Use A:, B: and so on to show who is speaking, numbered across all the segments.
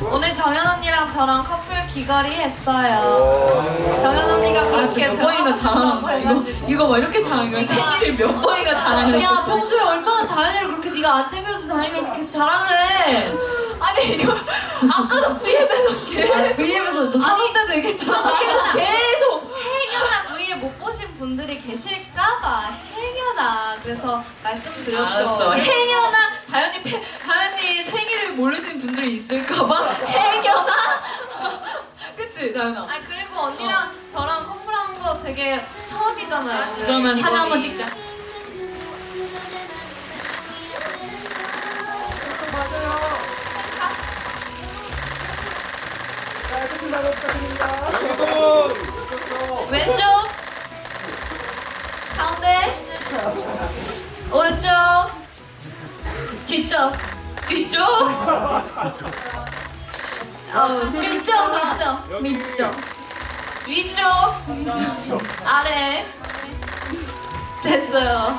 A: 오늘 정연 언니랑 저랑 커플 귀걸이 했어요. 정연 언니가 그렇게
B: 몇 번이나 자랑한 이거 막 이렇게 자랑한 거야. 생일을 몇 번이나 자랑을
C: 야
B: 했었어.
C: 평소에 얼마나 다현이를 그렇게 네가 안 챙겨줘서 다현이를 그렇게 자랑을 해.
B: 아니 이거 아까도 VM에서 계속
C: VM에서 너 사귀 때도 얘기했잖아.
B: 계속
A: 행여나 V를 못 보신 분들이 계실까봐 행여나 그래서 말씀드렸죠.
B: 알았어. 행여나 다현이 생일을 모르신 분들이 있을까봐 행여나 그치 다현아.
A: 아 그리고 언니랑 저랑 커플한 거 되게 처음이잖아요. 오늘.
B: 그러면 사진
A: 귀걸이.
B: 한번 찍자.
A: 왼쪽 가운데 오른쪽 뒤쪽 뒤쪽 밑쪽 위쪽 아래 됐어요.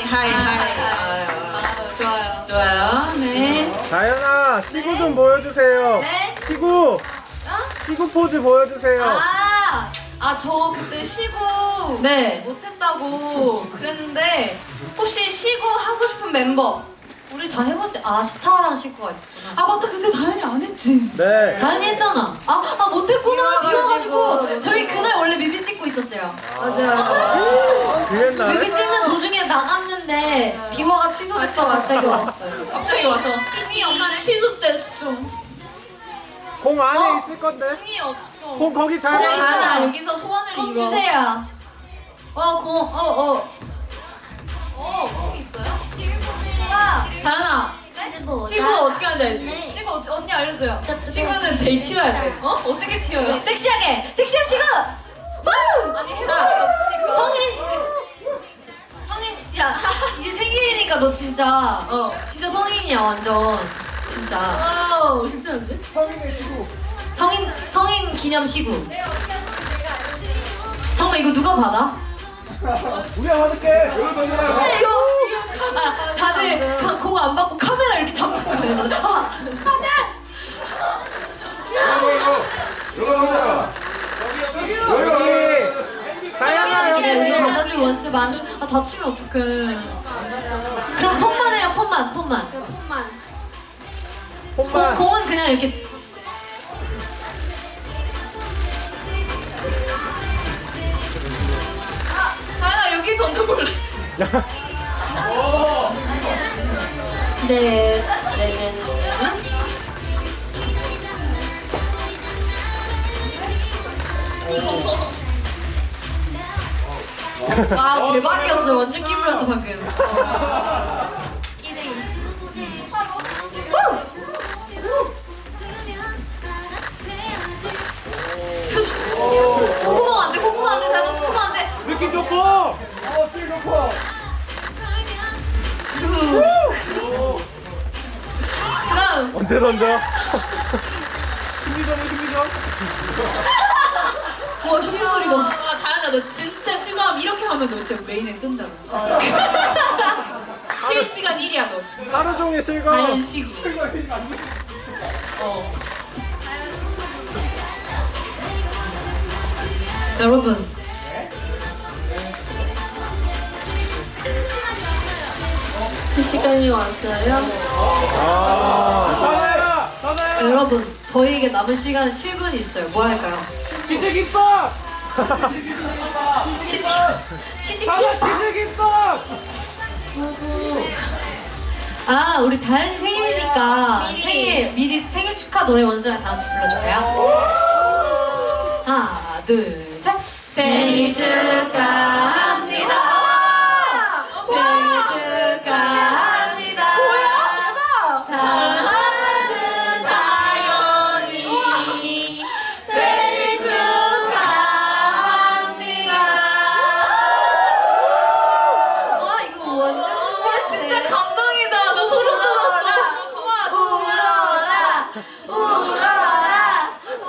A: 좋아요.
B: 좋아요. 네.
D: 다현아, 시구 좀 보여주세요.
A: 네?
D: 시구! 시구 포즈 보여주세요.
A: 저 그때 시구
B: 네.
A: 못했다고 그랬는데 혹시 시구 하고 싶은 멤버?
C: 우리 다 해봤지? 아 스타랑 식구가 있었구나.
B: 아 맞다. 근데 다현이 안 했지.
D: 네.
C: 다현이 했잖아. 아 못했구나.
A: 비와가지고.
C: 비와가지고 저희 그날 원래 뮤비 찍고 있었어요.
D: 그랬나?
C: 뮤비 찍는 도중에 나갔는데 비와가 취소됐다 갑자기 왔어요.
B: 갑자기 와서
A: 흥이 없네.
B: 취소됐어.
D: 공 안에 있을 건데.
A: 흥이 없어.
D: 공 거기 잘
C: 그래,
D: 봐.
C: 있어.
A: 여기서 소원을
C: 공
A: 이뤄.
C: 주세요.
A: 공 있어요? 와.
B: 다현아. 시구 어떻게 하는지 알지?
A: 시구 언니 알려줘요.
B: 시구는 제일 튀어야 돼.
A: 어떻게 튀어요?
C: 섹시하게 섹시한 시구.
A: 아니 해볼 게 없으니까.
C: 성인 야 이제 생일이니까 너 진짜 진짜 성인이야 완전 진짜
B: 와우 괜찮은데?
C: 성인 기념 시구. 잠깐만 이거 누가 받아?
D: 우리가 받을게. 여기 던져라.
C: 이거 다들 공 안 받고 카메라 이렇게 잡고 있는 거야.
D: 여기. 다현아,
C: 우리
D: 여기.
C: 받아줄 원스 만. 아 다치면 어떡해. 그럼 폰만 해요 폰만.
D: 홈만.
C: 공은 그냥 이렇게.
B: 다현아 여기 던져볼래?
C: 네. 와 대박이었어요. 완전 끼부렸어 방금. 콧구멍 안 돼. 콧구멍 안 돼. 나도 콧구멍 안 돼.
D: 느낌 좋고. 찔 좋고.
C: 그다음
D: 언제 던져? 힘이죠.
C: 와 쇼핑 소리가.
B: 와 다현아 너 진짜 시구하면 이렇게 하면 너 진짜 메인에 뜬다고. 실시간 1위야 너 진짜.
D: 하루 종일 실거.
B: 다현 시구.
C: 여러분
A: 그 시간이 왔어요.
D: 다현아.
C: 여러분 저희에게 남은 시간은 7분이 있어요. 뭘 할까요?
D: 치즈김밥.
C: 치즈김밥.
D: 치즈김밥.
C: 아 우리 다현 생일이니까 미리 생일 축하 노래 원스랑 다 같이 불러줄까요? 하나 둘 셋. 생일 축하합니다. 생일 축하합니다. 사랑하는 다현이 생일 축하합니다. 와 이거 완전 신기했네.
A: 진짜 감동이다. 나 소름 돋았어. 와
C: 울어라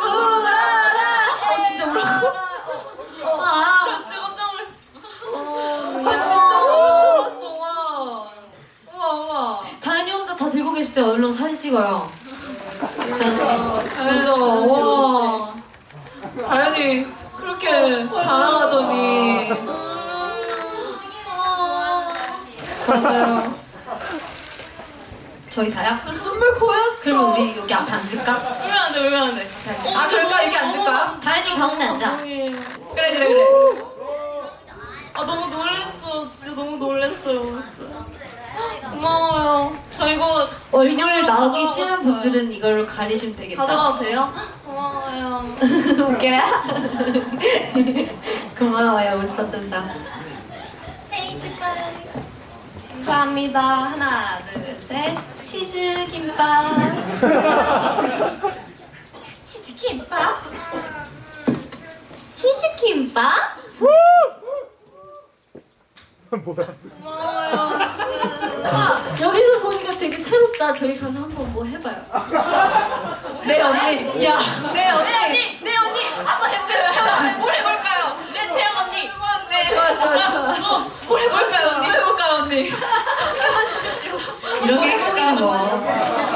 A: 진짜 울었어. 나 진짜 깜짝 놀랐어. 아 진짜 소름 돋았어. 와.
C: 다현이 혼자 다 들고 계실 때 얼른 사진 찍어요. 다현 씨.
B: 다현이가 와 다현이 그렇게 자랑하더니
C: 맞아요. 저희 다요?
B: 눈물 고였어.
C: 그러면 우리 여기 앞에 앉을까?
A: 울면 안 돼, 울면 안 돼.
B: 아 그럴까 여기 앉을까?
C: 다현이 가운데 앉아.
B: 그래 그래 그래.
A: 아 너무 놀랬어. 진짜 너무 놀랬어요. 고마워요. 저 이거
C: 얼굴 나오기
A: 가져가고
C: 싫은
A: 싶어요.
C: 분들은 이걸 가리시면 되겠다.
A: 가져가도 돼요? 고마워요.
C: 웃겨요? 고마워요, 웃어줘서.
A: 생일 축하해. 감사합니다. 하나, 둘, 셋. 치즈 김밥. 치즈 김밥.
C: 치즈 김밥?
D: 뭐야?
A: 고마워요.
C: 여기서 보니까 되게 새롭다. 저희 가서 한번 뭐 해봐요.
B: 네 언니.
C: 야,
B: 네 언니.
A: 네 언니. 한번 해볼까요? 뭘 해볼까요? 네 채영 언니.
B: 네. 좋아 좋아 좋아.
A: 뭘 해볼까요 언니?
B: 뭐 해볼까 언니?
C: 이런 게 행복이지 뭐.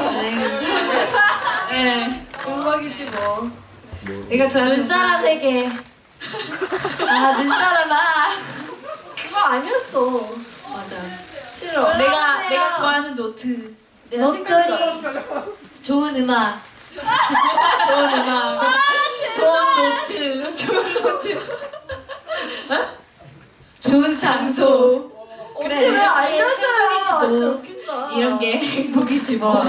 B: 네. 음악이지 뭐. 내가 좋아하는
A: 눈사람에게.
C: 아, 눈사람아.
B: 그거 아니었어.
C: 맞아.
B: 싫어. 내가 좋아하는 노트. 내가 생각나.
C: 좋은 음악.
B: 좋은 음악. 좋은 노트. 좋은 노트. 어? 좋은 장소.
C: 그래.
B: 알려줘요.
C: 진짜
B: 웃긴다.
C: 이런 게 행복이지 뭐.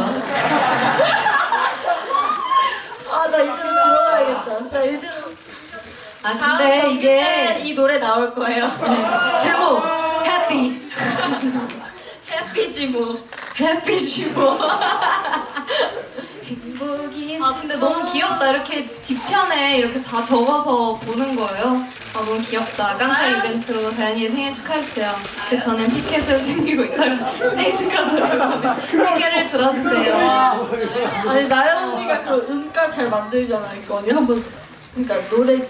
B: 아나 이제 들어가야겠다. 나 이제.
C: 아, 근데 이게
B: 이 노래 나올 거예요.
C: 제목 해피.
B: 해피지 뭐.
C: 해피지 뭐.
A: 행복이.
C: 아, 근데 너무 귀엽다. 이렇게 뒤편에 이렇게 다 적어서 보는 거예요. 아, 너무 귀엽다. 깜짝 이벤트로 다현이의 생일 축하했어요. 근데 저는 피켓을 숨기고 있다가 생일 축하드려요. 피켓을 들어주세요.
B: 아니 나연 언니가 그 음가 잘 만들잖아. 이거 언니 한번 그러니까 노래